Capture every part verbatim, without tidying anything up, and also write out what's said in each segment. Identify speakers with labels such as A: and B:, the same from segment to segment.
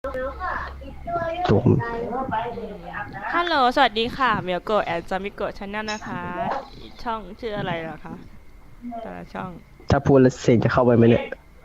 A: จุ๋ม
B: ฮัลโหลสวัสดีค่ะเมียวโกะแอนจามิโกะชาแนลนะคะช่องชื่ออะไรเหรอคะแต่ละช่อง
A: ถ้าพูดแล้วเสียงจะเข้าไปไหมเนี่ย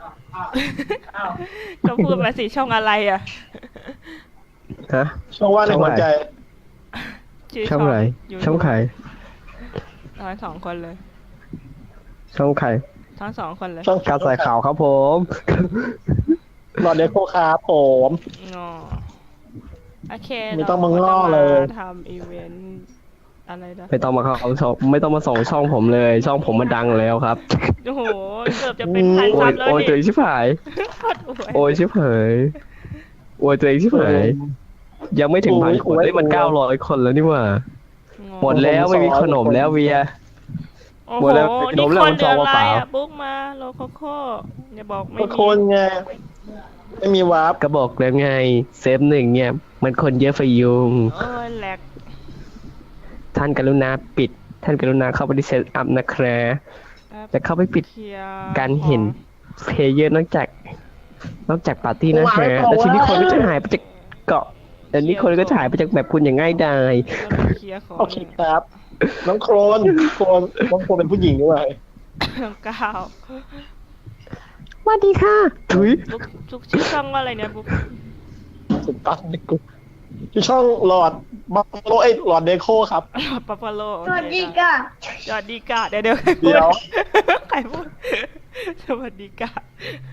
B: ก็พูดมาสิช่องอะไรอ่ะ
A: ฮะ
C: ช่องว่างใน
A: ช่องไหน
C: หัวใจ
B: ชื่อช่อง
A: ช่องไหน
B: ยู
A: ช่องใคร
B: ทั้งสองคนเลย
A: ช่องใคร
B: ทั้งสองคนเลย
C: ช่อง
A: กาวใส่ข่าวครับผม
C: หลอดเดโคคาผม
B: งอโอเค
C: ไม่ต้องมา
B: เรา
C: ง้อ
B: จะ
C: เลย
B: ทำอีเวนต์อะไรนะ
A: ไม่ต้องมาเข้าช่องไม่ต้องมาส่งช่องผมเลย ช่องผมมันดังแล้วครับ
B: โอ้โหเกือบจะเป็นพัน
A: โอ้
B: ซั
A: ย
B: บแล้ว
A: โอ้ยตัวเอ
B: นี่
A: งชิบหาย
B: โคตรอวย
A: โอ้ยชิบหายโอ้ยตัวเองชิบหายยังไม่ถึงพันคนได้ยมันเก้าร้อยคนแล้วนี่หว่า
B: งอ
A: หมดแล้วไม่มีขนมแล้วเวีย
B: โอ้
A: หม
B: โห
A: ดแล้ว
B: นี่
A: ขนมแล้ว
B: คน
A: มัน
B: เดือ
A: ซอง
B: อะไร
A: เปล่า
B: อ่ะบุ๊กมาโลโคโค่อย่าบอกไม่
C: ก็
B: มี
C: คนไงไม่มีวาร์ป
A: ก็บอกแล้วไงเซฟหนึ่งเนี่ยมันคนเยอะไฟยุง
B: โอ้ยแหลก
A: ท่านกรุณาปิด ท่านกรุณาเข้าไปที่เซตอัพนะครับจะเข้าไปปิด
B: เคลียร์
A: การเห็นเพลเยอร์นอกจาก นอกจากปาร์ตี้นะฮะแล้วทีนี้คนก็จะหายไปจากเกาะแต่นี้คนก็จะหายไปจากแบบคุณอย่างง่ายดาย
B: เราไปเคลียร์ของ
C: โอเคครับ น้องโครนโครนน้องโครนเป็นผู้หญิงด้วย
B: น้องก้าว
A: สวัสดีค่ะถุย
B: บุ๊กทุกชื่อช่องว่าอะไรเนี่ยบุ๊ก
C: สุดตัดในกลุ่มที่ช่องหลอดบัฟฟาโลเอ้ยหลอดเดโคครับ
B: หลอดปัปปาโล
D: สวัสดีค่ะ
B: สวัสดีกะเดี๋ยวเดี๋ยว
C: เดี๋ยว
B: ใครพูดสวัสดีกะ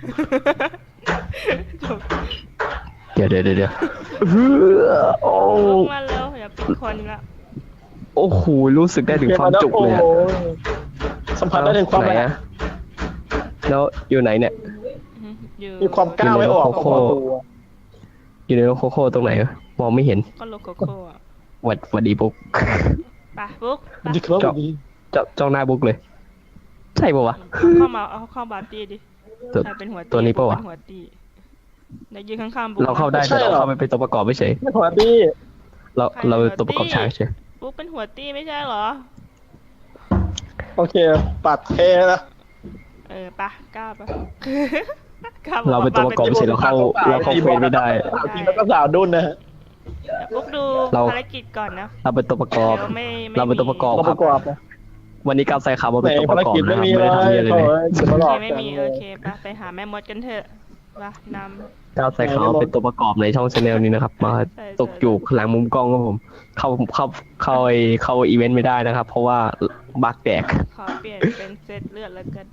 B: จบ
A: เดี๋ยวเดี๋ยวเดี๋ยวเดี๋ยวโอ้
B: บุ๊กมาแล้วอย่าปิดคนละ
A: โอ้โหรู้สึกได้ถึงความจุกเลยอะ
C: โอ้โหสัมผัสได้ถึงความ
A: ไหน
C: แรง
A: อะแล้วอยู่ไหนเนี่ย
B: อยู่
C: มีความกล้าไม่ออก
A: โคโค่ อยู่ในโลโคโค่ตรงไหนวะมองไม่เห็น
B: ก็โลโคโค่อะ
A: หวัดหวัดดีบุ๊ก
B: ไปบุ๊กไป
C: ดีครับดี
A: เจ้าจ้องหน้าบุ๊กเลย ใช่ปะวะ
B: เอาเข้ามาเอาเข้าบาร์ตี้ดิ
A: ตัว
B: ใครเป็นหัวตี้
A: ตัวนี้ปะวะ
B: เป็นหัวตี้เดี๋ยวยืนข้างๆบุ๊ก
A: เราเข้าได้แต่เราเข้าไปเป็นตัวประกอบไม่ใช่
C: ไม่ขอดี
A: เราเราตัวประกอบฉากใช่
B: บุ๊กเป็นหัวตี้ไม่ใช่เหรอ
C: โอเคปัดเทนะ
B: เออปะกล้าปะ กล้าบอก
A: เราเป็นตัวประกอบไม่ใช่เราเข้าเราเข้าเฟรมไม่ได้
C: สาวจริงแล้วก็สาวดุนนะฮะ
B: บุ๊กดู
A: เรา
B: ภารกิจก่อนนะ
A: เราเป็นตัวประกอบ
B: เดี๋ยวไม่ไม่
A: เราเป็นตัวประกอบ
C: ตัว
A: ค
C: ป
A: รับ
C: ระกอบนะ
A: วันนี้ก้าวใส่ขาวมา
C: ไหน
A: เป็นตัวป
C: ภาร
A: ระกอบ
C: กิจ
A: นะ
C: ไม่
A: ครับ
C: มี
A: ไม่
C: เล
A: ได้ทำเหี้ยอะไร
C: ย
A: เลย
C: จะมาหลอก
B: ไม่
C: กัน
B: มี
C: เล
B: โอย เคปะไปหาแม่มดกันเถอะปะน
A: ก้าวใส่ขาวมาเป็นตัวประกอบในช่องชาแนลนี้นะครับ มาตกอยู่หลังมุมกล้องครับผม เข้าเข้าเข้าไอเข้าอีเวนต์ไม่ได้นะครับ เพราะว่าบั๊กแตก
B: ำขอเปลี่ยนเป็นเซตเลือดแล้วกัน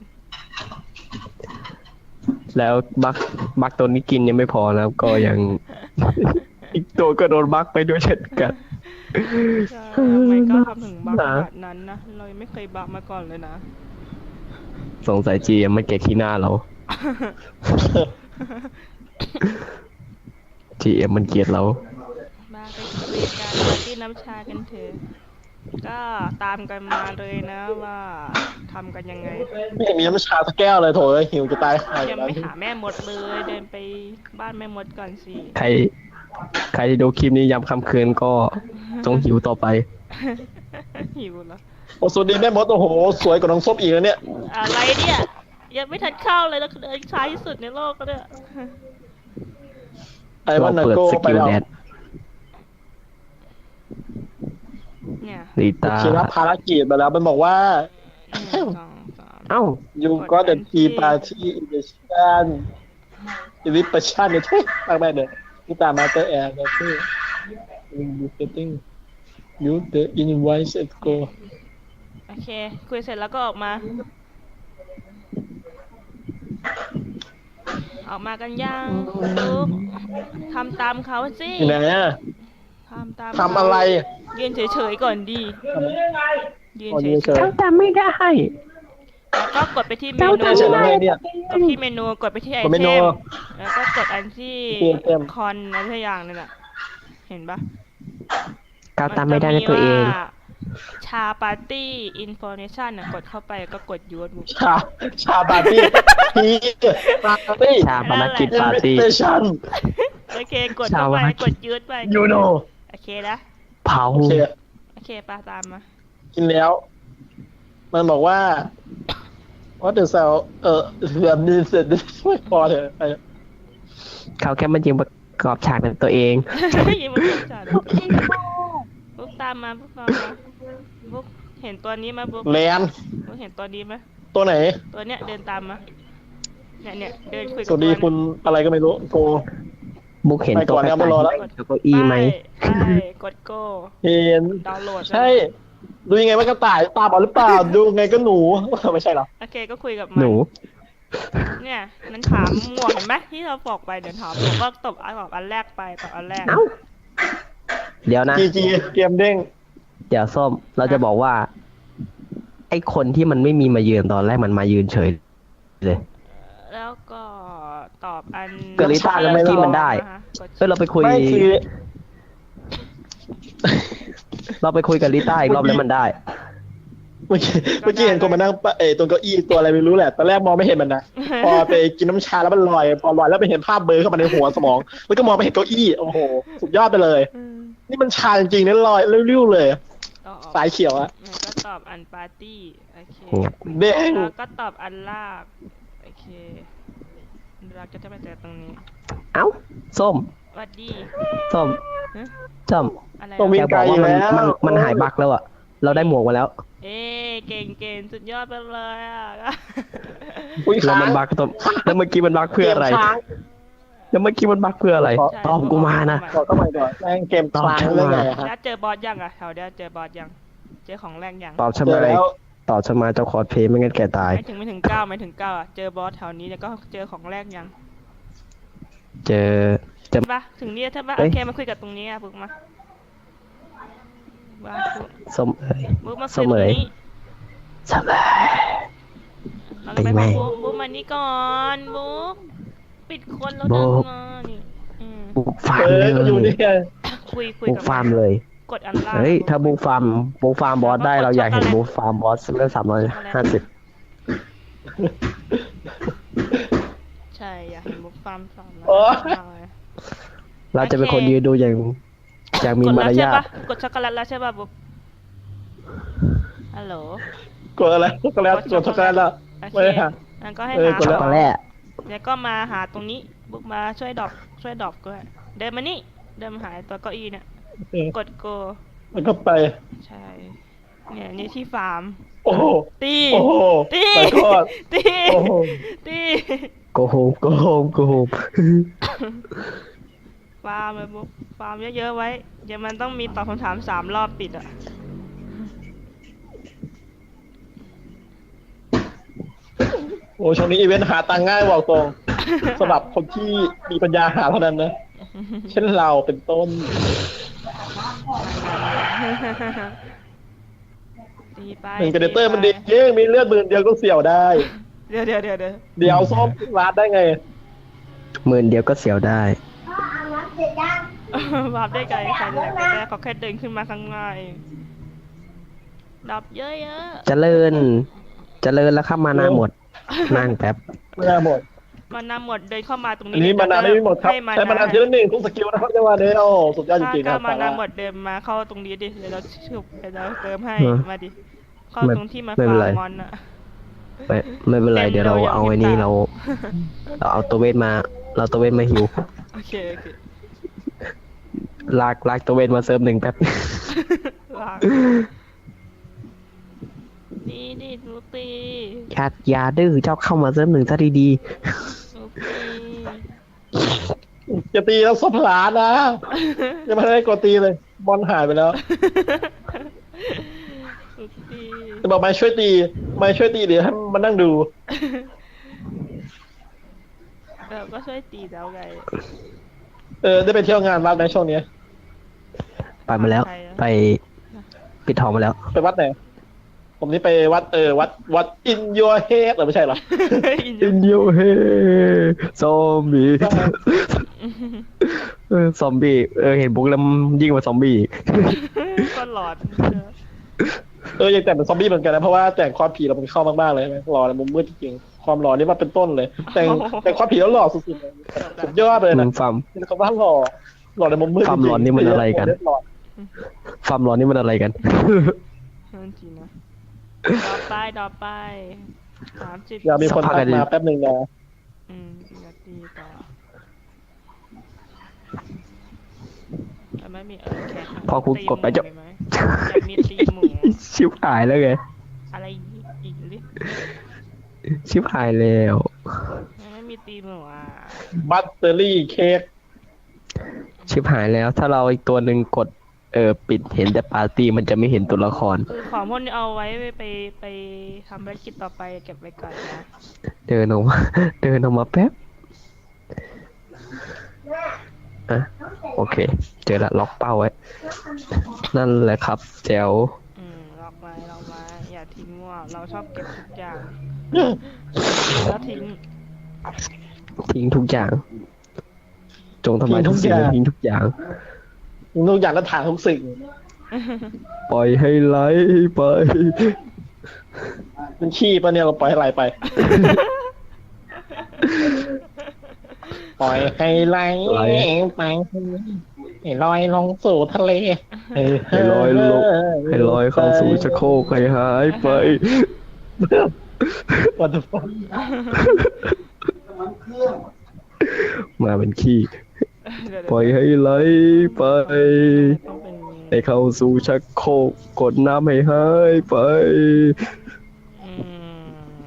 A: แล้วบั๊กบั๊กตัวนี้กินยังไม่พอนะครับก็ยัง อีกตัวก็โดนบั๊กไปด้วยเช่นกัน
B: ใช่ทำไมก็ทำถึงบักขนาดนั้นนะ เรายังไม่เคยบักมาก่อนเลยนะ
A: สงสัยจีมันเกลียดขี้หน้าเรา จีเอ็มมันเกลียดเรา
B: มาไปคุยกันปาร์ตี้น้ำชากันเถอะก็ตามกันมาเลยนะว่าทำกันยังไง
C: ไม่เห็นมีน้ำชาสักแก้วเลยโถเอ้ยหิวจะตายหาย
B: ยัง
C: แล้ว
B: ไม่หาแม่มดเลย เดินไปบ้านแม่มดก่อนสิ
A: ใคร ใครที่ดูคลิปนี้ยามค่ำคืนก็จงหิวต่อไป
B: หิวเหรอ
C: โอ้สวัสดีแม่มดโอ้โหสวยกว่าน้องส้มอีกแล้วเนี่ย
B: อะไรเนี่ยยังไม่ทันเข้าเลยแล้วเดินช้าที่สุดในโลกก็เนี่ย
C: ไอ้วันนา
A: เปิด
C: โก้
A: ส
C: ไป
A: กิล
C: แล้ว
A: แดด
B: เนี่ย
A: ลี
C: โอ
A: ตา
C: เครับภารกิจไปแล้วมันบอกว่า
B: หนึ่งสองสาม
A: เอ้า
C: you got the tea party invitation invitation เนี่ยทุยมากแม่เลยนี่ตามมาเตอร์แอร์นะที่ will be getting you the invite let's go
B: โอเค คุยเสร็จแล้วก็ออกมา ออกมากันยังลูกทำตามเขาสิ
C: อยู่ไหนอะ
B: ทำตาม
C: ทำอะไร
B: ยืนเฉยๆก่อนดียืน
C: อ๋อ
B: เฉ
C: ยื
B: ย
C: นเฉย
A: เจ้าจำไม่ได้
B: ๆแล้วก็กดไปที่เม
A: เจ้า
B: นู
A: จำ
C: เฉ
A: ไม่
C: ย
A: ได้
C: อะไรเนี่ย
B: กดที่เมนูกดไปที่ไอก
C: ดเม
B: เท
C: นู
B: มแล้วก็กดอันที่
C: ที่ไอเทม
B: คอนอะไรสักอย่างนั่นแหละเห็นปะ
A: ก้าวตามไม่ได้นะตัวเอง
B: มันจะมีว่าชาปาร์ตี้อินโฟเมชันน่ะกดเข้าไปก็กดยูท
C: ชาชาปาร์ตี้พีปาร์ตี้
A: ชาปนกิจปาร์ตี้
C: เตชัน
B: โอเคกดเข้าไป
A: ชาวา
B: กดยูทไป
C: ยูโน
B: โอเคนะ
A: เผา
C: โอเค
B: โอเคปาตามมา
C: กินแล้ว มันบอกว่าว่าเดอะเซลเออแบบนี้เสร็จไม่พอเถอะไอ้
A: เขาแค่มันยิงกรอบฉากเป็นตัวเอง
B: ยิ้มมันกดฉากบุ๊กตามมาบุ๊กตามมาบุ๊กเห็นตัวนี้ไหมบุ๊ก
C: แลน
B: บุ๊กเห็นตัวนี้ไหม
C: ตัวไหน
B: ตัวเนี้ยเดินตามมาเนี่ยเนี่ยเดินคุย
C: ส
B: กับ
C: วัสดี
B: ตัว
C: คุณอะไรก็ไม่รู้โก
A: บุกเห็น
C: ไป
A: ตัว
C: ก่อนนะมารอแล้ว
A: เก้าอี้ไหม
B: ใช่กดโก้
C: เห็น
B: ดาวน์โหลด
C: ใช่ ดูยังไงว่ากระต่ายตาบอดหรือเปล่า ดูไงก็หนู ไม่ใช่หรอ
B: โอเคก็คุยกับมั
A: หนู
B: เนี่ยมันถามหมวกเห็นไหมที่เราบอกไปเดี๋ยวถามผมก็ตบอันตอบอันแรกไปตอบอันแรก
A: เอ้า เดี๋ยวนะ
C: จีจีเกมเด้ง
A: เดี๋ยวส้ม เราจะบอกว่า ไอ้คนที่มันไม่มีมายืนตอนแรกมันมายืนเฉยเลย
B: แล้วก็ตอบอัน
A: กริต้าแล้วที่มันได้
B: ะคะกด
A: เฮ้ยเราไปคุย
C: ไม่คือ
A: เราไปคุยกับลิต้าอีกรอบแล้วมันได้
C: เมื่อกี้เมื่อกี้เห็นคนมานั่งปะเออตรงเก้าอี้ตัวอะไรไม่รู้แหละตอนแรกมองไม่เห็นมันนะ พอไปกินน้ำชาแล้วมันลอย พอลอยแล้วไปเห็นภาพเบลอเข้ามาในหัวสมอง แล้วก็มองไปเห็นเก้าอี้โอ้โหสุดยอดไปเลย
B: อืม
C: นี่มันชาจริงๆนะลอยริ้วๆเลย
B: ต่อออก
C: สายเขียวอะ
B: แล้วก็ตอบอันปาร์ตี้โอเค
C: เด้ง
B: แล้วก็ตอบอันลากโอเคเราก็จะไปเจอตรงนี้
A: เอ้า ส้ม
B: สวัสดี
A: ส้ม
B: ฮะ
A: ส้ม
B: อะไร
C: ต้อง
B: อะ
C: วิ่
A: แก
C: ง
A: บ
C: ไกล
A: อก
C: อ
A: ว่า
C: ยู่
A: มัน
C: แล้ว
A: มันมันหายบั๊กแล้วอะเราได้หมวกมาแล้ว
B: เอ้เก่งเก่งสุดยอดไปเลยอ่ะ
C: อุ้ย
A: แล้ว
C: ค้าง
A: มันบั๊กตัวแล้วเมื่อกี้มันบั๊กเพื่ออะไร
C: กมค้าง
A: แล้วเมื่อกี้มันบั๊กเพื่ออะไร
B: ใช่
A: ตอบกูมานะ
C: ขอเข้าไปก่อนแม่งเกมค้างเรื่องไงอะฮะ
B: แล้วเจอบอสยังอ่ะแถวเดียวเจอบอสยัง เจอของแรงยัง
A: ตอบฉัน
C: เจ
A: มา
C: อแล้ว
A: ตอบฉันมาเจ้าคอร์สเพลย์ไม่งั้นแกตาย
B: ไม่ถึงไม่ถึงเก้าไม่ถึงเก้าอ่ะ เจอบอสแถวนี้แล้วก็เจอของแรกยัง
A: เจอเจอ
B: ใช่ปะถึงนี่ใช่ปะ
A: เอ้
B: โอย เคมาคุยกับตรงนี้อ่ะปุ๊กมาว่าปุ๊ก
A: ส้มเอ๋ย
B: ปุ๊กมาคุ
A: ส้
B: ย
A: ม
B: ตรง
A: เอ๋ย
B: นี้
A: ส้มเอ๋ย
B: เรา
A: ตี
B: ไป
A: แม่
B: บอกปุ๊กปุ๊กมานี่ก่อนปุ๊กปิดคนแล้วดังมานี่อืม
A: บุกฟาร์
C: เอ
A: มเล
C: อก็อยู่นี่
A: ย
C: ไง
B: คุยคุย
A: บุก
B: กับ
A: ฟาร์มเลย
B: กดอันล่าง
A: เฮ้ย ถ้าบุกฟาร์มบุกฟาร์มบอสได้เราอยากเห็นบุกฟาร์มบอสเรื่องสามร้อยห้าสิบ
B: ใช่อยากเห็นบุ๊กฟาร์มสอน
C: โอ้ย
A: เราจะเป็นคนยืนดูอย่างอย่างมี
B: กด
A: มา
B: แล้ว
A: ร
B: ใช่
A: ยาท
B: ปะกดช็อกโกแลตแล้วใช่ปะบุ๊กฮัลโหล
C: กดอะไรช็อกโกแลตกดช็อกโกแลตแล้ว
B: โอเค
C: ไม่ได้หา
B: งั้นก็ให้
C: เออ
B: หาก
C: ด
A: ช็
C: แล้
A: อก
C: ว
A: โกแลต
B: แล้วก็มาหาตรงนี้บุ๊กมาช่วยดรอปช่วยดรอปด้วยเดินมานี่เดินมาหาตัวเก้าอี้เนี่ย
C: เออก
B: ดโก
C: แล้วก็ไป
B: ใช่เนี่ยนี่ที่ฟาร์ม
C: โอ้โห
B: ตี
C: โอ้โห
B: ตี
C: ไปทอด
B: ตี
C: โอ้โห
B: ตี
A: โกโฮมโกโฮมโกโฮม
B: ฟาร์มเลยบุ๊กฟาร์มเยอะๆไว้เดี๋ยวมันต้องมีตอบคำถามสามรอบติดอ่ะ
C: โอ้ช่วงนี้อีเวนต์หาตังค์ง่ายบอกตรงสำหรับคนที่มีปัญญาหาเท่านั้นนะ เช่นเราเป็นต้น
B: ตีไป
C: หนึ่งกระเดเตอร์มัน
B: ตี
C: ดี
B: ไป
C: เย่มีเลือดหมื่นเดียวก็เสี่ยวได้
B: เดี๋ยวเดี๋ยวเดี๋ยวเดี๋ยว
C: เดี๋ยวส้มร้านได้ไง
A: หมื่นเดียวก็เสียวได้
B: วาร์ปได้ไกลใครจะอยากได้เขาแค่เดินขึ้นมาข้างหน้าเองดับเยอะ
A: เจริญ เจริญแล้วครับมานาหมด นั่งแป๊บ
C: ไม่น่าหมด
B: ๆมันนำหมดเดินเข้ามาตรงนี้
C: อันนี้มานานไม่มีหมดครับ
B: ให้มา
C: ใช้มานานทีละหนึ่งทุกสกิลนะครับจังหวะนี้โอ้สุดยอดจริงๆค
B: ถ้า
C: รับ
B: มา
C: สา
B: นา
C: ระ
B: หมดเดินมาเข้าตรงนี้ดิเดี๋ยวเราชุบเดี๋ยวเราเติมให้
A: ฮะ
B: มาดิเข้า
A: ไม่
B: ตรงที่มา
A: ไม่
B: ฟา
A: เป็น
B: ร์
A: ไร
B: มมอนอะ
A: ไม่ไม่เป็นไร
B: เต็ม
A: เดี๋ยวเรา
B: เลย
A: เอาไอ้
B: อย่าง
A: นี้
B: ที่
A: เรา เราเอาตัวเวทมา เราตัวเวทมาหิว
B: โอเคโอเค
A: ลากลากตัวเวทมาเซิร์ฟหนึ่งแป๊บ
B: วางดีดีลูตี
A: แคทอยาดื้อเจ้าเข้ามาเซิร์ฟหนึ่งซะดี
B: ลูตี
C: จะตีแล้วซบหลานนะยังไม่ได้กดตีเลย บอลหายไปแล้ว
B: ลูตี
C: จะบอกไม่ช่วยตี ไม่ช่วยตีเดี๋ยวให้มันนั่งดู
B: เออก็ช่วยตีแล้วไง
C: เออได้ไปเที่ยวงานวัดในช่วงนี้
A: ๆ ไปมาแล้ว
B: ใครอะ
A: ไปปิดทองมาแล้ว
C: ไปวัดไหน ผมนี่ไปวัดเออวัดวัดอินยัวเฮดหรือไม่ใช่เหรอ
B: อิน
A: อินเดียเฮซอมบี้เออซอมบี้เออเห็นบุ๊กแล้วยิ่งกว่าซอมบี้
B: ก็หลอด
C: เออยังแต่งเป็นซอมบี้เหมือนกันนะเพราะว่าแต่งความผีเรามันเข้ามากๆเลยใช่ไหมหล่อในมุมมืดจริงๆความหล่อนี่มาเป็นต้นเลย แต่งแต่งความผีแล้วหล่อสุดๆเลยสุดยอดเลย
A: มึ
C: นะ
A: งฟาร์ม
C: นี่เขาว่าหล่อหล่อในมุมมืดจ
A: ความ
C: ริงๆ
A: หล่อนี่มันอะไรกัน
C: หล่อ
A: ฟาร์มร้อนนี่มันอะไรกัน
B: นั่นจริงนะดอไปดอไปสามสิบ
C: อยากมีคนทักมาแป๊บหนึ่งนะ
B: อืมสี่นาทีต่อแต่ไม่มีเออแค่
A: พอคุณกดไปจะ
B: ตีหมูมีไหมอยากมีตีหมู
A: ชิบหายแล้วไง
B: อะไรอีกดิ
A: ชิบหายแล้ว
B: ไม่มีตีหมูอ่ะ
C: บัตเตอรี่เค้ก
A: ชิบหายแล้ว ถ้าเราอีกตัวหนึ่งกดเออปิดเห็นแต่ปาร์ตี้มันจะไม่เห็นตัวละคร
B: คือของพวกนี้เอาไว้ไปไปไปทำภารกิจต่อไปเก็บไว้ก่อนนะ
A: เดินออกมา เดินออกมาแป๊บอ่ะโอเค เจอละล็อกเป้าไว้ นั่นแหละครับแจ๋ว
B: อืมล็อกไว้ล็อกไว้อย่าทิ้งว่าเราชอบเก็บทุกอย่างแล้วทิ้ง
A: ทิ้งทุกอย่าง จงทำลายทุกสิ่งและทิ้งทุกอย่าง
C: ทุกอย่างแล้วถ่ายทุกสิ่ง
A: ปล่อยให้ไหลไป
C: มันขี้ปะเนี่ยเราปล่อยให้ไหลไป ปล่อยให้ไหล
A: ไหล
C: ไปให้ลอยลงสู่ทะเล
A: ให้ลอยลงให้ลอยเข้าสู่ชักโครกให้หายไป
C: วันทุกคน
A: มาเป็นขี้
B: เดี๋ยว
A: ปล่อยให้ไหลไป
B: ต้องเป็น
A: ให้เข้าสู่ชักโครกกดน้ำให้หายไป
B: อืม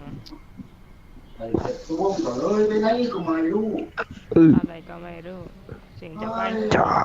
A: อือ
B: อะไรก็ไม่รู้เสิ่งจะไป
A: จาก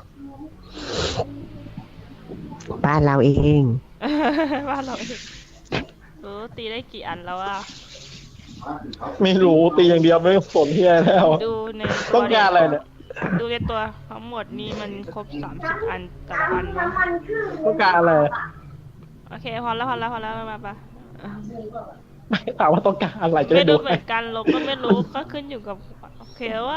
A: บ้านเราเอง
B: ว่าเราเองรู้ตีได้กี่อันแล้วอ่ะ
C: ไม่รู้ตีอย่างเดียวไม่สนที่อะไรแล้ว
B: ดูใน
C: ต้องการอะไรเนี่ย
B: ดูในตัวทั้งหมดนี่มันครบสามสิบอันแต่ละอันวะ
C: ต้องการอะไร
B: โอเคพอแล้วพอแล้วพอแล้วมาปะ
C: ไม่ถามว่าต้องการอะไรจะ
B: ไม่
C: ได้ดู
B: รู้เหมือนกันลบก็ไม่รู้ก็ขึ้นอยู่กับโอเคว่า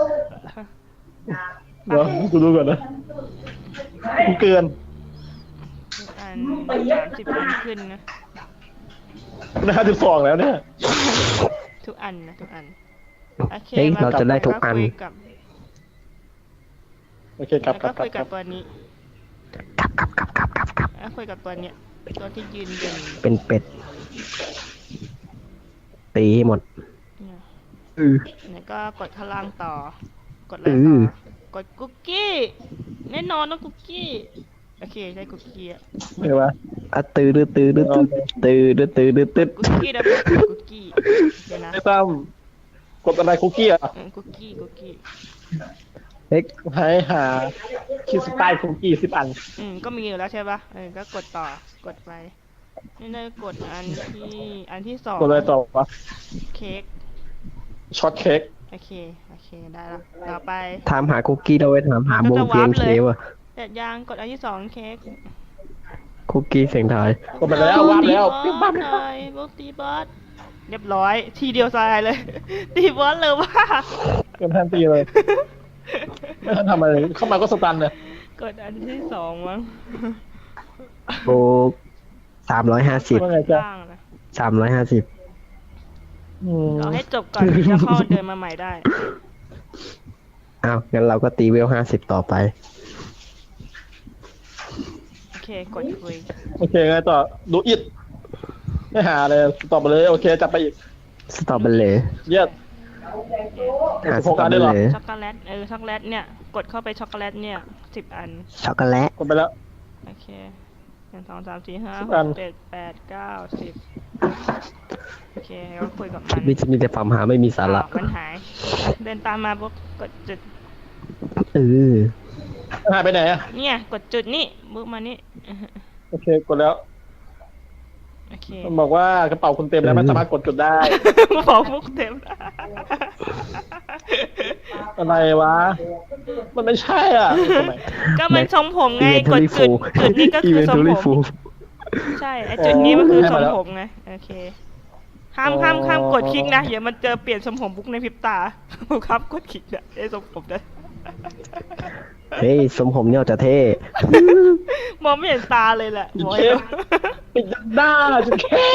C: เดี๋ยวกูดูก่อนนะกูเกิน
B: อันสามสิบอันขึ้นนะ
C: นะห้าสิบสองแล้วเนี่ย
B: ทุกอันนะทุกอันโอเค
A: เฮ้ย
B: ม
A: เราจะได้ทุกอัน
B: คุยกับ
C: โอเคกลับ
B: แล้ว
C: กลั
B: ก็
C: บกลั
B: คุ
C: บ
B: ย
C: กลั
B: กับบ ตัวนี้
A: กลับกลับกลับกลับกลับกลับ
B: แล้วคุยกับตัวเนี้ยตัวที่ยืนยืน
A: เป็นเป็ด ตีให้หมด
B: เนี่ย
A: อือ
B: แล้วก็กดข้างล่างต่อ กดอะไร
A: อื
B: ต่
A: อ
B: อ กดคุกกี้แน่นอนต้องคุกกี้โอเคได้คุกกี้อะ
C: เห็นปะ
A: อะตื้อตื้อตื้อตื้อตื้อตื้อตื้อตื้อตื้อ
B: คุกกี้นะคุกกี้เดี๋ยวนะ
C: ไอ้ตั้มกดอะไรคุกกี้อ่ะ
B: เออคุกกี้คุกกี้
A: เฮ้ย
C: ให้หาคิดสไตล์คุกกี้สิบอัน
B: อืมก็มีอยู่แล้วใช่ปะเออก็กดต่อกดไปนี่ได้กดอันที่อันที่สอง
C: กดอะไรต่อวะ
B: เค้ก
C: ช็อตเค้ก
B: โอเคโอเคได้ละต่อไป
A: ถามหาคุกกี้เราไว้ถามหาวงเทียนเคว่ะ
B: เสร็จยังกดอันที่สองเค้ก
A: คุกกี้เสียงไทาย
C: กดไปแล้ววาร์ปแล้ว
B: ตี
C: ปิ๊บบ
B: อ
C: ปั๊
B: ส
C: บ
B: หน่อยบุกตีบอสเรียบร้อย ทีเดียวตายเลย ตีบอสเลยว่า
C: เกินทันตีเลย ไม่ทันทำอะไรเข้ามาก็สตันเลย
B: กดอันที่สองมั้ง
A: โบกสามร้อยห้าสิบ
C: ว่าไงจ๊ะ
B: ล่างนะ
A: สามร้อยห้าสิบ
C: อืม
B: เราให้จบก่อนถึงจะเข้าเดินมาใหม่ได้
A: อ้าว งั้นเราก็ตีเวลห้าสิบต่อไป
B: โอเคกดคุย
C: โอเคไงต่อดูอิดไม่หาเลยตอบไปเลยโอเคจับไปอีก
A: สตรอเบอร์รี่
C: เยี่ยม
A: หา
C: สิบ
A: ส
C: หก
A: ตรอ
C: อัน
A: เบ
C: ได้
A: อ
C: เหรอ
A: ร์รี่
B: ช็อกโกแลตเออช็อกโกแลตเนี่ยกดเข้าไปช็อกโกแลตเนี่ยสิบอัน
A: ช็อกโกแลต
C: กดไปแล้ว
B: โอเคหนึ่งสองสามสี่ห้า
C: สิบ
B: ห
C: อัน
B: กเจ็ดแปดเก้าสิบโอเคก็คุยกับมัน
A: มีมีแต่ความหาไม่มีสาระ
B: อ้าวมันหาย เดินตามมาปุ๊บกดจุด
A: เออ
C: หายไปไหนอ่ะ
B: เนี่ยกดจุดนี่บุ๊กมานี่
C: โอเคกดแล้ว
B: โอเค
C: มันบอกว่ากระเป๋าคุณเต็มแล้วไม่สามารถกดจุดได้
B: มาบอกมุกเต็ม
C: อะไรวะ มันไม่ใช่อ่ะทำไม
B: ก็มันทรงผมไงกดจุดจุดนี้ก็คือทรงผม ใช่ไอจุดนี้มันคือทรงผมไงโอเคห้ามห้ามห้ามกดคลิกนะเดี๋ยวมันเจอเปลี่ยนทรงผมบุ๊กในพริบตา ครับกดคลิกนะไอทรงผมนะ
A: เฮ้ยสมผมเนี่ยจะเท่
B: มองไม่เห็นตาเลยแหละบอก
C: เช
B: ให้
C: ฟปิดหน้าจะแค่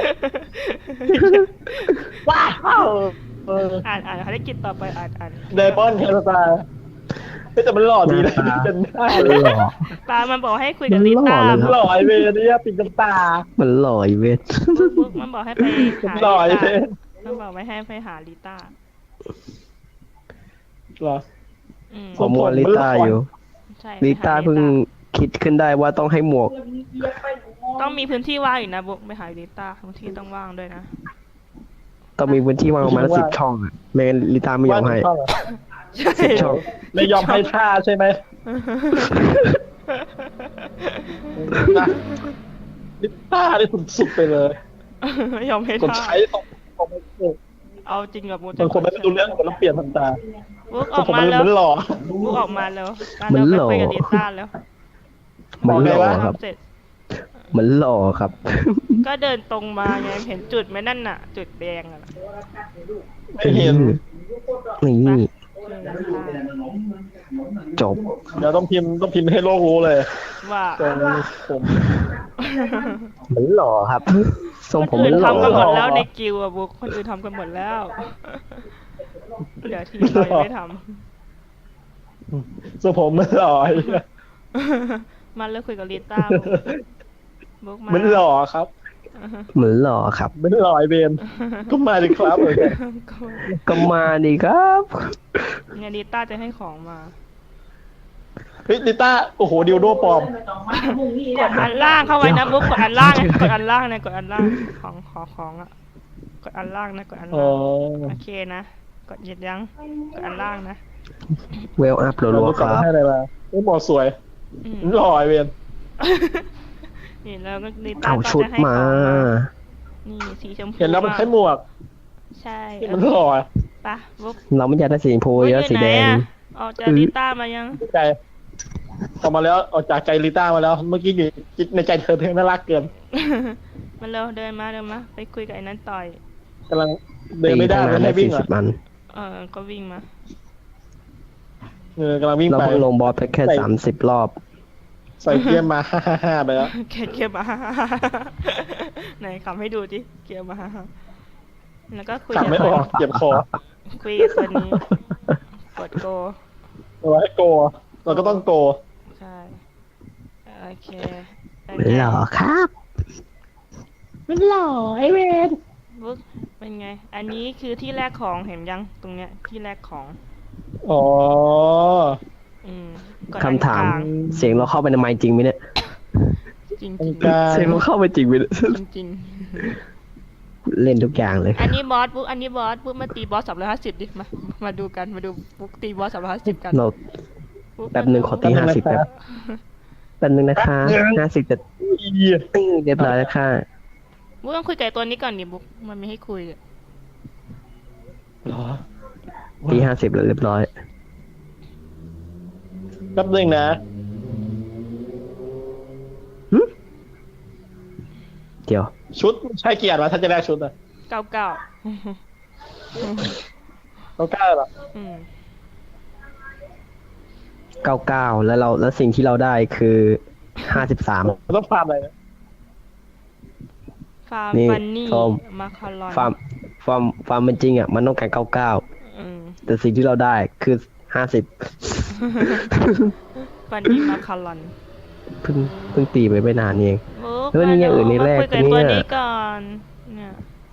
C: ว้าวเออ
B: อ่านอ่านภารกิจต่อไปอ่านอ่าน
C: ไดมอนด์เทลตาเฮ้ยแต่มันหล่อดีนะ
A: หน้าตา
C: เป็นหน้า
A: มั
C: เล
A: น
C: ย
A: หล่อ
B: ตามันบอกให้คุยกับลิต้า
A: มันหล่อเลยนะ
C: หล่อไอเวรเนี่ยปิดน้ำตา
A: มันหล่ออีเวนต์
B: บุ๊กบุ๊กมันบอกให้ไปหา
C: หล่อไอ
B: ลิ
C: เว
B: ต้าร มันบอกไม่ให้ไปหาลิต้า
C: หรอ
B: อืม
A: ผมมัวลิต้าอยู่
B: ใช่
A: ลิ
B: ไปห
A: ต้าเพิ่งคิดขึ้นได้ว่าต้องให้หมวก
B: ต้องมีพื้นที่ว่างอยู่นะบุ๊กไปหาลิต้าพื้นที่ต้องว่างด้วยนะ
A: ต้องมีพื้นที่วางประมาณสิบช่องอะไม่งั้นลิต้าไม่ยอมให้
C: ว่าถูกต้องเหรอ
B: ใช่
A: สิบช่อง
C: ไม่ยอมให้ท่าใช่ไหมนะลิต้าได้สุดๆไปเลย
B: ไม่ยอมให้
C: กด
B: ท่า
C: ใช้ตรงตรงไม่ถูก
B: เอาจริงกับบุ๊ก
C: บางคนไม่รู้เรื่องคนแล้วเปลี่ยนทันตา
B: บุ๊กอ
C: ก็
B: อก
C: ผม
B: มา
C: มัน
B: แล้ว
C: มันหล่อ
B: บุ๊กออกมาแล้วมา
A: มัน
B: เรา
A: ห
B: ไป
A: ล่อ
B: คุยกับลิต้าแล้ว
A: มันหล่อ
C: บอกไงวะ
A: ครับ
B: ทำเสร็จ
A: เหมือนหล่อครับ
B: ก็เดินตรงมาไงเห็นจุดไหมนั่นน่ะ จุดแดงอ่ะ
C: ไม่เห็น
A: นี่จบ
C: เดี๋ยวต้องพิมพ์ต้องพิมพ์ให้โลกรู้เลย
B: ว่า
C: ตรงผม
A: เหมือนหล่อครับ ทรง
B: ค
A: ผม
B: น
A: เหมื
B: อื่
A: อน นหล่อ
B: ทำกันหมดแล้ว
C: หรอ
B: ในกิวอะบุ๊กคนอื่นทำกันหมดแล้วเหลือทีมเรายังไม่ท
C: ส่วนผมมันหล่อ
B: ำมาเลิกคุยกับลิต้าบุ๊กมา
C: มันหล่อครับ
A: เหมือนหล่อครับ
C: มันหล่อไอเบนก็มาดิครับเออ
B: ก็
A: ก็มาดีครับ
B: เนี่ยลิต้าจะให้ของมา
C: เฮ้ยลิต้าโอ้โหดิวโดปลอม
B: กดอันล่างเข้าไว้นะบุ๊กกดอันล่างนะกดอันล่างนะกดอันล่างของขอของอ่ะกดอันล่างนะกดอัน
C: อ๋
B: ล่า
C: อง
B: โอเคนะกดเหยียดยังกดอันล่างนะ
A: เวลอัพ
C: เรา
A: รัว
C: รู้
A: ๆค
C: ก่อน
A: รับ
C: ให้อะไรมาเฮ้ยหมอสวย
B: อืม
C: มันหล่อไอเบน
B: นี่แล้วก็ลิต้า
A: เอา
B: ก็
A: ชุด
B: จะให้
A: มา
B: ของนี่สีชมพู
C: เห็นแล้วมันใช้หมวก
B: ใช่
C: ที่มันหล่อ
B: ปะบุ๊ก
A: เราไม่อยากได้สีชมพูอยากได้สีแดง
B: ออกจากลิต้ามายัง
C: ใจออกมาแล้วออกจากใจลิต้ามาแล้ว เมื่อกี้อยู่ในใจเธอเธอน่ารักเกิน
B: มาเร็วเดินมาเดินมาไปคุยกับไอ้นั้นต่อย
C: กำลังเดินไม่ได้
A: ตี
C: ไม่
A: ตั้งนาน
C: ให้
A: ได้
C: วิ่ง
A: สี่
C: เหร
A: สิ
C: อบ
A: มัน
B: เออก็วิ่งมา
C: เออกำลังวิ่ง
A: เรา
C: ไป
A: เพิ่งลงบอสไปแค่
C: ใส่
A: สามสิบรอบ
C: ใส่เกียร์มา ฮ่าฮ่าฮ่าไปแล้ว
B: เก็บเก็บมา ไหนคำให้ดูดิเก็บมาแล้วก็คุย
C: ขับ
B: กับ
C: ไม่ออกเจ็บคอ
B: คุยกับตัวนี้กดโก
C: เอาไว้โกเราก็ต้องโก
B: ใช่โอเคเป็น
A: เหมือน
B: ไง
A: หล่อครับ
C: มันหล่อไอเวน
B: บุ๊กเป็นไง อันนี้คือที่แรกของเห็นยังตรงเนี้ยที่แรกของ
C: อ๋อ
B: อืมกดอัน
A: คำถาม
B: กลง
A: เสียงเราเข้าไปในไมค์จริงไหมเนี่ย
B: จริง
C: ตร
B: จริ
C: ง
B: ง
C: กลาง
A: เสียงเราเข้าไปจริงไหมเนี่ย
B: จริงจริง
A: เล่นทุกอย่างเลย
B: อันนี้บอสบุ๊กอันนี้บอสบุ๊กมาตีบอสสามร้อยห้าสิบดิมามาดูกันมาดูบุ๊กตีบอสสามร้อยห้าสิบกัน
A: เรา
B: บุ๊ก
A: แป๊บหนึ่งขอตีห้าสิบแป๊บแป๊บหนึ่งนะคะห้าสิบจะ
C: อีเหี้ย
A: อื้อเรียบร้อยแล้วค่ะ
B: บุ๊กต้องคุยกับไอ้ตัวนี้ก่อนดิบุ๊กมันไม่ให้คุยอะ
C: เหรอ
A: ตีห้าสิบแล้วเรียบร้อย
C: แป๊บนึงนะ
A: เดี๋ยว
C: ชุดใช่เกียรติวะถ้าจะแลกชุดอะ
B: เก้าเก้า
C: เขากล้าเหรอ
B: อืม
A: เก้าเก้าแล้วเราแล้วสิ่งที่เราได้คือห้าสิบสาม
C: มันต้องฟาร์มอะไรนะ
B: ฟาร์ม
A: นี่
B: ฟันนี่
A: ส้ม
B: มาคารอน
A: ฟาร์มฟาร์มฟาร์มเป็นจริงอ่ะมันต้องการเก้าเก้า
B: อืม
A: แต่สิ่งที่เราได้คือห้าสิบ
B: ฟันนี่มาคารอน
A: เพิ่งเพิ่งตีไปไม่นานเอง
B: บุ๊ก
A: เฮ้ยนี่อย่างอื่นนี่แรก
B: มาคุยกับไอ้ตัว
A: เนี่ย
B: นี้ก่อนเนี่ย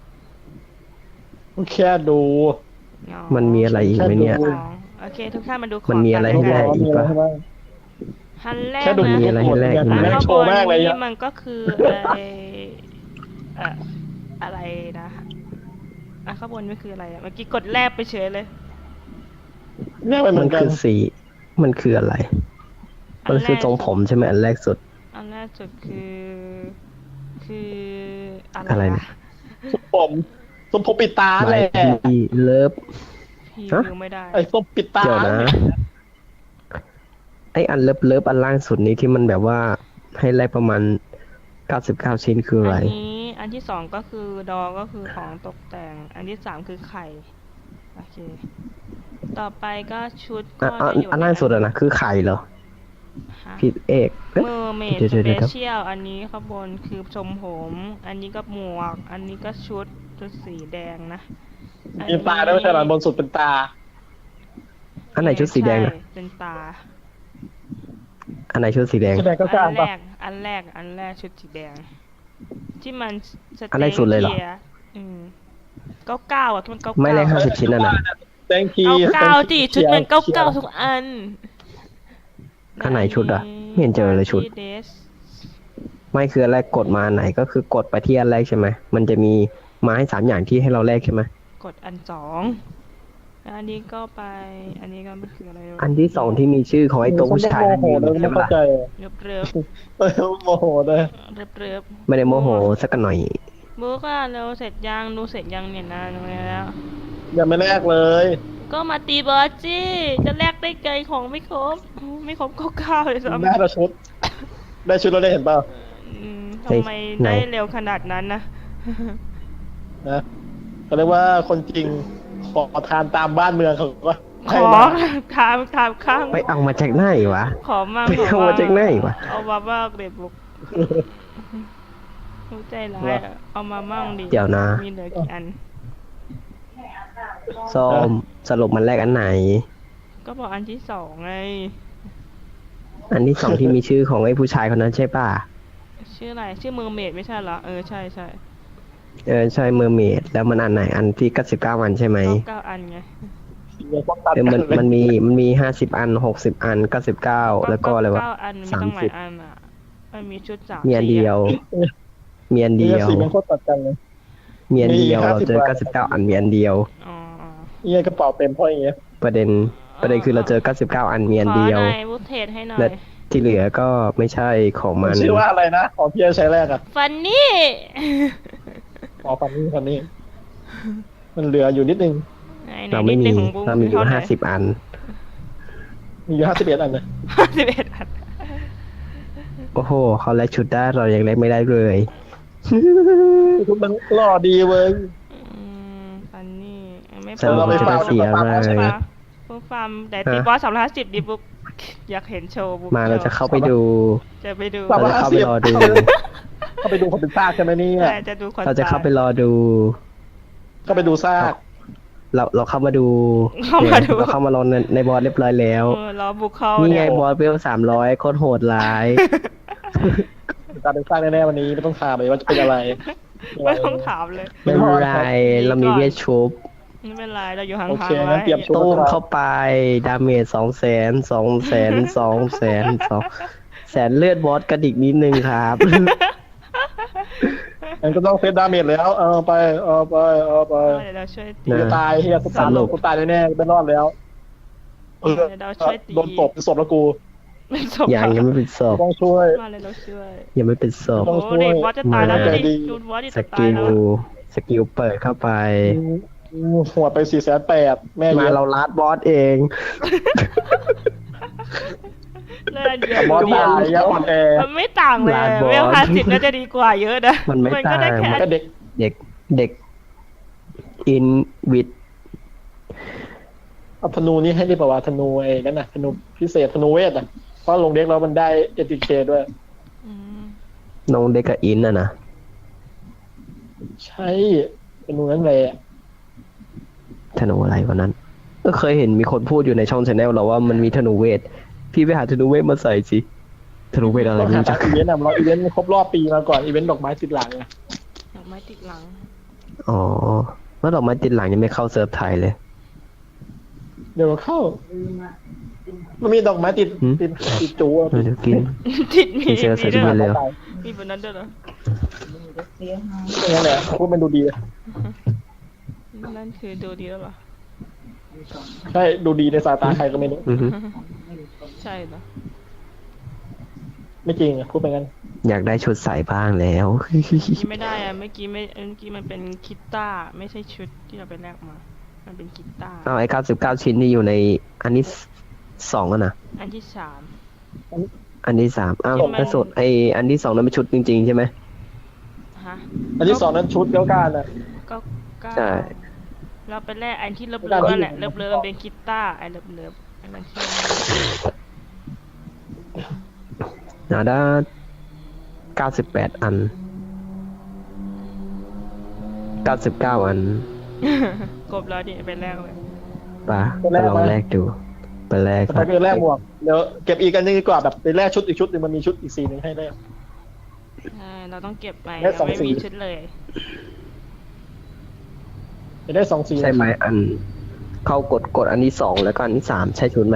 C: แค่ดู
B: อ๋อ
A: มันมีอะไรอีกไหมเนี่ย
B: อ๋อโอเค ทุกท่านมาดูของ
A: มันมีอะไรให้แลก
C: มีอะไรให้บ้าง
B: ฮันแรก
C: แค่ดู
B: นะ
A: มีอะไรให้แลก
C: อยาก
A: อีกไหม
C: แลก
B: ข้าง
C: โช
B: บ
C: ว์
B: น
C: มากเลย
B: นี่
C: อะ
B: มันก็คือไอเอ่ออะไรนะอ่ะข้างบนนี่คืออะไรอะเมื่อกี้กดแลบไปเฉยเลย
C: แลกไปเหมื
A: มั
C: อน นกัน
A: คือสีมันคืออะไร มันคือทรงผมใช่ไหมอันแรกสุด
B: อันแรกสุดคือ คืออะไร
A: อะไรเนี่
B: วะ
A: ย
C: ส้มผมส้มผมปิดตา
A: ไม
C: แหละ
A: ทีเลิฟ
B: พี่
A: ฮะ
B: ดูไม่ได้
C: ไอ้ส้มปิดตา
A: เดี๋ยวนะ ไออันเลิฟเลิฟอันล่างสุดนี้ที่มันแบบว่าให้แลกประมาณเก้าสิบเก้าชิ้นคืออะไร
B: อันนี้อันที่สองก็คือดอก็คือของตกแต่ง อันที่สามคือไข่โอเค ต่อไปก็ชุดก็
A: อ่ะอัน
B: จะอยู่
A: อันล่างสุดอะนะคือไข่เหรอ
B: ฮะ
A: ผิดเอกเอ๊ะ
B: เมอร์เมด
A: เดี๋ยว
B: ส
A: เดี๋ยว
B: เป
A: เดี๋ยว
B: เชียลอันนี้ข้างบนคือชมผม อันนี้ก็หมวก อันนี้ก็ชุดชุดสีแดงนะ
C: มีตาด้วยไม่ใช่เหรอบนสุดเป็นตา
A: อันไหนชุดสีแดงอะ
B: ใช่เป็นตา
A: อันไหนชุดสีแดง
C: แสดงก็กล้า
B: อันแร
C: ปะ
B: ก อันแรก อันแรกชุดสีแดง ที่มันส
A: อันแรกสุดเลยเหรอ
B: เกียร์อืมเก้าเก้าอ่ะที่มันเก้า
A: ไม่
B: เก้า
A: แลกห้าสิบชิ้นนั่นน่ะ
C: thank
B: เก้า
C: you
B: เก้าจีชุดมันเก้าเก้าทุกอัน
A: อันไหนชุดอะไม่เห็นเจอเลยชุด
B: เดส
A: ไม่คืออันแรกกดมาอันไหนก็คือกดไปที่อันแรกใช่ไหมมันจะมีมาให้สามอย่างที่ให้เราแลกใช่ไหม
B: กดอันสองแล้วอันนี้ก็ไป อันนี้ก็ไม่คืออะไร
A: อันที่สองที่มีชื่อของไอ้ตัวผู้ชาย
C: โม
A: นั่น
C: โห
A: ยืน
C: เลย
A: ใช่
C: ไม่
A: ไหม
C: เข้า
A: ล่ะ
C: ใจ
B: เริบเริบ
C: เออโมโหเลย
B: เริบเริบ
A: ไม่ได้โมโหสักหน่อย
B: บุ๊กอะเราเสร็จยังดูเสร็จยังเนี่ยนานแล้ว
C: ยังไม่แลกเลย
B: ก็มาตีบอสจี้จะแลกได้ไกลของไม่ครบ ไม่ครบเก้าเก้าเลยซ้ำ
C: ได้ละชุด ได้ชุดเราได้เห็นเปล่า
B: อืม
A: เฮ้ย
B: ทำไม
A: ไหน
B: ได้เร็วขนาดนั้นนะ
C: นะเขาเรียกว่าคนจริงขอทานตามบ้านเมืองเขาก็
B: ข
C: ให้
B: อ
C: มา
B: ถามถามข้าง
A: ไปเอามาจากไหนวะ
B: ขอมาก
A: ไปเอามาจากไหนวะ
B: เอามาบ้างเด็ดบุกรู้ใจร้ายอะเอามามั่งดิ
A: เดี๋ยวนะ
B: มีเหลือกี่อัน
A: ส้มสรุปมันแรกอันไหน
B: ก็บอกอันที่สองไง
A: อันที่สองที่มีชื่อของไอ้ผู้ชายคนนั้นใช่ป่ะ
B: ชื่ออะไร ชื่อเมอร์เมดไม่ใช่เหรอ เออใช่ใช่
A: เออใช่เมอร์เมดแล้วมันอันไหนอันที่เก้าสิบเก้าอันใช่ไหม
B: เก้าเก้าอันไง
C: เดี๋ยวพวกตัด
A: เออ
C: กั
A: มัน
C: นเลย
A: มันมีมันมีห้าสิบอันหกสิบอันเก้าสิบเก้าแล้วก็อะไรวะ
B: เก้าอันมี
A: สาม
B: ตั้งหลา
A: สิ
B: ย
A: บ
B: อันอ่ะมันมีชุดสาม
A: มีอันเดียว มีอัน
C: นี่
A: เดียว
C: สีมันโคตรตัดกันเลย
A: มีอันเดียว
C: มี
A: เราเจอ
C: ห้า
A: เก้า
C: สิ
A: สิ
C: บบ
A: เก้าอันมีอันเดียว
B: อ๋ออ๋อ
C: นี่กระเป๋าเต็มเพราะอย่างเงี้ย
A: ประเด็นประเด็นคือเราเจอเก้าสิบเก้าอันมีอัน
B: ขอ
A: เดียว
B: หน่อยวุฒเทศให้หน่อ
A: และ
B: ย
A: ที่เหลือก็ไม่ใช่ของมัน
C: ชื่อว่าอะไรนะของพี่ใช้แรกอะ
B: ฟันนี่
C: อ๋อฟันนี่ฟันนี่มันเหลืออยู่นิดนึง
B: ไหนไหน
A: เราไม่
B: นิดห
A: มี
B: นึ่งของบุ๊ก
A: เรามีอยู่
B: ท่ไหร่
A: ห้าสิบอัน
C: มีอยู่ห้าสิบเอ็ดอันนะ
B: ห้าสิบเอ็ดอัน
A: โอ้โหเขาแลกชุดได้เรายังแลกไม่ได้เลย
C: ทุกมันหล่อดีเว้ย
B: อืมฟันนี่ไม่
A: สรุป
C: เราไป
A: จะได้
C: ฟาร์ม
A: เสีย
C: เราไป
A: เล
C: ฟาร์มใช่
A: ย
C: ไหม
B: บุ๊กฟาร์มแต่ตีบอสสามร้อยห้าสิบดิบุ๊กอยากเห็นโชว์บุ๊ก
A: มาเราจะเข้าไปดู
B: จะไปดู
C: สาม
A: เรา
C: ร้อย
A: จะเข้าไปรอดู
C: เข้าไปดูคนเป็นซากใช่ไหมเนี่ย
B: แต่จะดูคน
A: เราจะเข้าไปรอดู
C: เข้าไปดูซาก
A: เราเราเข้ามาดู
B: เข้ามาดู
A: เราเข้ามารอในในบอสเรียบร้อยแล้ว
B: เออรอบุกเข้า
A: นี่ไง
B: เนี่ย
A: บอสเวลสามร้อยโคตรโหดร้าย
C: การเป็นซากแน่ๆวันนี้ไม่ต้องถามเลยว่าจะเป็นอะไร
B: ไม่ต้องถามเลย
A: ไม่เป็นไรเรามีเวทชุบ
B: ไม่เป็นไรเราอยู่ห่าง
C: โอเค
B: ๆไว้
C: งั้นเตรียมชุด
A: ตู้มเข้าไปดาเมจสองแสนสองแสนสองแสนสองแสนเลือดบอสกระดิกนิดนึงครับ
C: งั้นก็ต้องเซตดาเมจแล้วเอาไปเอาไปเอาไป
B: เดี๋ยวเราช่วยตี
A: นะ
C: จะตายเฮียกูตาย
A: สรุป
C: กูตายแน่ๆไม่รอดแล้วเออ
B: เดี๋ยวเราช่วยตี
C: โดนตบเป็นศพแล้วกู
B: เป็นศพ
A: ยังยังไม่เป็นศพ
C: ต้องช่วย
B: มาเลยเราช่วย
A: ยังไม่เป็นศพ
C: ต้
B: โอ้
C: องช่วย
B: เด็กบอสจะตายแล้ว
A: มา
B: ดิดูบอสดิ
A: ส
B: จะตา
A: กิ
B: ย
A: ล
B: แล้ว
A: สกิลเปิดเข้าไป
C: หัวไปสี่แสนแปดแม่
A: มา
C: เลี้ยง
A: เราลัดบอสเอง
B: เลื่อนเยอะ
C: บอสตายยังอ่อนแอ
B: มันไม่ต่างเลย
A: ลาดบอส
B: เวลห้าสิบน่าจะดีกว่าเยอะนะ
A: มันไม่
B: ก็ได้
A: ต่าง
B: แค่
C: ก็เด็ก
A: เด็กเด็กอินวิด
C: เอาธนูนี่ให้ได้ป่าวะธนูไอ้นั่นน่ะธนูพิเศษธนูเวทอ่ะเพราะลงเด็กแล้วมันได้เอทีเคด้วย
B: อืม
A: น้องเด็กกับอินน่ะนะ
C: ใช่ธนูนั้นเลยอะ
A: ธนูอะไรวันนั้นก็เคยเห็นมีคนพูดอยู่ในช่องชาแนลเราว่ามันมีธนูเวท พี่ไปหาธนูเวทมาใส่สิธนูเวทอะไร
C: เรา
A: ไม่
C: หา
A: รู้จัก
C: อีเวนต์อะเราอีเวนต์ครบรอบปีมาก่อนอีเวนต์ดอกไม้ติดหลังอะ
B: ดอกไม้ติดหลัง
A: อ๋อเมื่อดอกไม้ติดหลังยังไม่เข้าเซิร์ฟไทยเลย
C: เดี๋ยวเข้า มันมีดอกไม้ติด
A: หืม
C: ติดติดจูอะ
A: เดี๋ยวกิน
B: ติดมี
A: มีเสื้อใส่
B: มีด้วย
A: เสื้
B: เหรอ
A: อ ร็ว
B: มีแบบนั้นด้วยเหรอ
C: อย่างนั้นแหละพูดมันดูดี
B: นั่นคือดูดีแล้วเหรอ
C: ใช่ดูดีในสายตาใครก็ไม่รู้
A: อือฮึ
B: ใช่เหรอ
C: ไม่จริงอะพูดไปงั้น
A: อยากได้ชุดใส่บ้างแล้ว
B: นี่ไม่ได้อะเมื่อกี้ไม่เมื่อกี้มันเป็นคิตต้าร์ไม่ใช่ชุดที่เราไปแลกมา มันเป็นคิตต้าร์
A: เอาไอ้เก้าสิบเก้าชิ้นที่อยู่ในอันนี้สองอะนะ
B: อันที่สาม
A: อันที่สามอ้าว
B: ที่มัน
A: แล้วสุดไออันที่สองนั้นเป็นชุดจริงๆใช่ไหม
B: ฮะ
C: อันที่สองนั้นชุดเก้าการอะ
B: ก็เก้า
A: ใช่
B: เราไปแลกอันที่เลิฟ
C: ไม่
B: เลิ
C: ได้
B: ฟนั่นแหละเลิฟเลิฟมันเป็นคิตต้าร์ไอเลิฟเลิฟอันนั้นที่
A: นาด้าเก้าสิบแปดอันเก้าสิบเก้าอัน
B: กบแล้วดิไปแลกเลย
A: ปะไปลองแลกดูไปแลก
C: แต่ถ้าเกิดแรกหมวกเดี๋ยวเก็บอีกอันนึงดีกว่าแบบไปแรกชุดอีกชุดหนึงมันมีชุดอีกสีหนึ่งให้แรก
B: ใช่เราต้องเก็บไป
C: ได้ส
B: เรา
C: อง
B: ไม่
C: สี
B: มีชุดเลย
C: จะได้สองสี
A: ใช่ไหมอันเข้ากดกดอันที่สองแล้วก็อันที่สามใช่ชุดไหม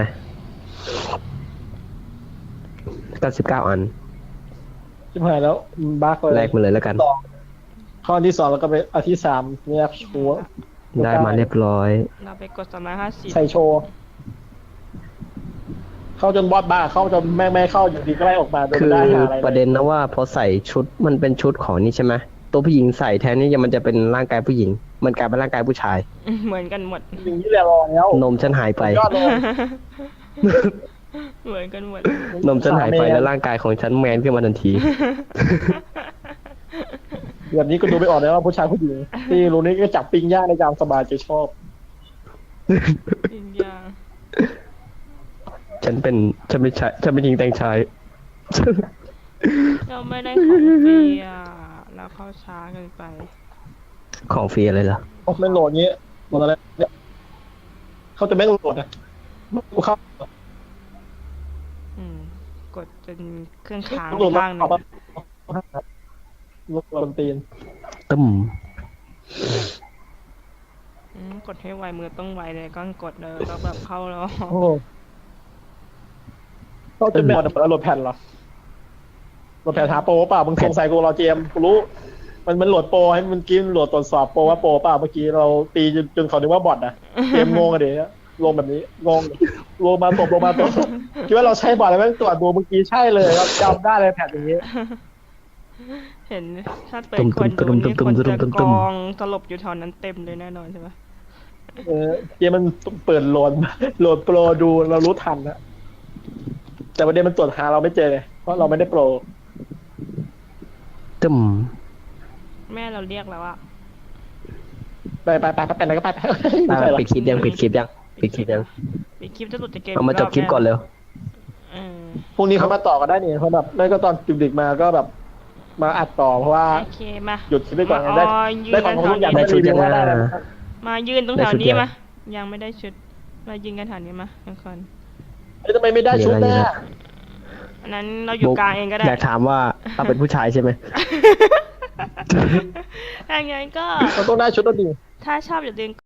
A: เก้าสิบเก้าอัน
C: ชิบหายแล้วบั๊กเลย
A: แลกมาเลยแล้วกัน
C: สองข้อที่สองแล้วก็ไปอันที่สามแยกชัวร์
A: ได้มาเรียบร้อย
B: เราไปกดสามร้อยห้าสิบ
C: ใส่โชว์ เข้าจนบอสบ้าเข้าจนแม่งไม่เข้าอยู่ดีก็ไล่ออกมาโดย
A: คื
C: ไม่
A: อ
C: ได้หาอะไรลย
A: ประเด็นนะว่าพอใส่ชุดมันเป็นชุดของนี่ใช่ไหมตัวผู้หญิงใส่แทนนี่ยังมันจะเป็นร่างกายผู้หญิง มันกลายเป็นร่างกายผู้ชาย
B: เหมือนกันหมด
C: อย่างนี้แหละรอแล้ว
A: นมฉันหายไป
C: ยอดเลย
B: เหมือนกันหมด
A: นมฉันหายไปแล้วร่างกายของฉันแมนขึ้นมาทันที
C: แบบนี้ก็ดูไม่ออกเลยว่าผู้ชายผู้หญิงที่รู้นี่ก็จับปิ้งย่างในยามสบายใจชอบ
B: จริงยัง
A: ฉันเป็นฉันไม่ใช่ฉันเป็นหญิงแต่งชาย
B: เราไม่ได้ของฟรีอ่ะเราเข้าช้าเกินไป
A: ของฟรีอะไรล่ะ
C: โอ้ไม่โหลดงี้โหลดอะไรเนี่ยเขาจะไม่โหลดนะกูเข้า
B: อืม กดจนเครื่องค้าง
C: โหลดมา
B: ข้างหนึ
C: เอา
B: ง
C: มาโหลดบนตีน
A: ตึ้ม
B: อืมกดให้ไวมือต้องไวเลยก็กดเลยแล้วแบบเข้าแล้ว
C: โอ้เขาจะไม่โหลดโหลดแผ่นเหรอโหลดแผ่นหาโปรเปล่ามึงสงสัยกูรอเจมกูรู้ มันมันโหลดโปรให้มันกินโหลดตรวจสอบโปรว่าโปรเปล่าเมื่อกี้เราตีจนจนเขาคิดว่าบอทนะเกมงงอะเดี๋ยวลงแบบนี้งงลงมาตบลงมาตบคิดว่าเราใช้บอทแล้วแม่งตรวจดูเมื่อกี้ใช่เลยครับจำได้เลยแผ่นอย่างนี้
B: เห็นถ้าเปิดคนดูนี่คนจะกองสลบอยู่แถวนั้นเต็มเลยแน่นอนใช่ไหม
C: เออเกมมันเปิดโหลดโหลดโปรดูเรารู้ทันนะแต่ประเด็นมันตรวจหาเราไม่เจอไงเพราะเราไม่ได้โปร
A: ตึ้ม
B: แม่เราเรียกแล้วอะ
C: ไปไปไปไปไปไหนก็ไปไป
A: ไปไปปิดคลิปยังปิดคลิปยังปิดคลิปยัง
B: ปิดคลิปจะหลุดจากเกม
A: เอามาจบคลิปก่อนเร็ว
B: เออ
C: พรุ่งนี้เขามาต่อกันได้นี่เพราะแบบไม่ก็ตอนดึกๆมาก็แบบ มาอัดต่อเพราะว่า
B: โอเคมา
C: หยุดคลิปไปก่อนไง
B: มา
C: ได้
B: อ๋อยืน
C: ได้ของทุกอย่าง
A: ได้
C: ได้
A: ชุ
C: รี
A: ด
C: วิ
A: ยั
C: ว
A: ง
C: ว่าได้
A: ไง
C: แล้ว
B: มายืนตรงแถวนี้มายังไม่ได้ชุดมายืนกันแถวนี้มาทุกคน
C: เฮ้ยทำไมไม่ได้ชุดหน้า
B: อันนั้นเราอยู่กลางเองก็ได้
A: อยากถามว่าเราเป็นผู้ชายใช่ไหม
B: ถ้างั้นก็
C: เราต้องได้ชุดตัวดี
B: ถ้าชอบอย่าลืม